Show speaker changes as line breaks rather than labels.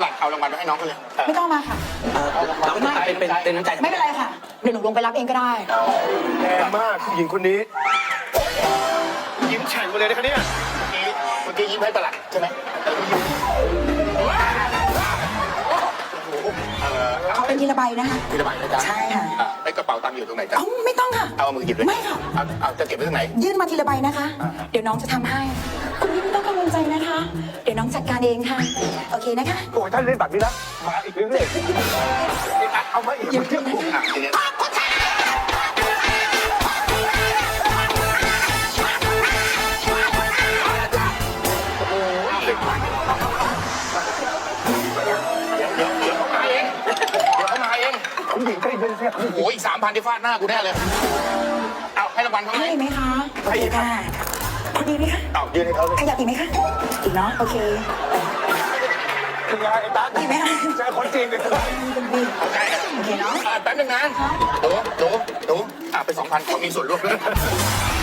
บาทเอารางวัลมาให้น้องเขาเลย
ไม่ต้องมาค่ะ
เอาไม่เป็นน้ำใจ
ไม่เป็นไรค่ะเดี๋ยวหนูลงไปรับเองก็ได้
แรงมากผู้หญิงคนนี้ ยิ้มแฉ่งมาเลยนะคะเนี่ย
เมื่อกี้ยิ้มให้ประหลัดใช่ไหมยิ้ม
เอาเป็นทีละใบนะคะ
ทีละใบนะจ๊ะ
ใช่ค่ะ
ไอ้กระเป๋าตังค์อยู่ตรงไหนจ๊ะ
เอ้าไม่ต้องค่ะ
เอามือหยิบเลย
ไม่ค่ะ
เอาจะเก็บไว้ตรงไหน
ยื่นมาทีละใบนะคะ เดี๋ยวน้องจะทำให้ คุณพี่ไม่ต้องกังวลใจนะคะ เดี๋ยวน้องจัดการเองค่ะ โอเคนะคะ
โอ้ยท่านเล่นแบบนี้นะมาอีกเรื่อยๆเอามาอีก
หยิบขึ้นนะคะ
อ่ะทีเนี้ยเดี๋ยวเขามาเองเดี๋ยวเขามาเอง
ผู้หญิงใจเย็นสิ
โอ้ยอีก3,000ที่ฟาดหน้ากูแน่เลย เอาให้รางวัลเขาไหม
ให้ไหมคะโอเคค่ะพอดีไหมคะ
เอายืนให้เขาเลย
ขยับอีกไหมคะอีกเนาะโอเค
เป็นไงไอ้ตั๊ก
อีกไหมคะ
เจอคนจริงเลย
เป็นบี
โอเค
โอเคเนาะ
แป๊บนึงนะหนูไป2,000เขามีส่วนร่วมด้วย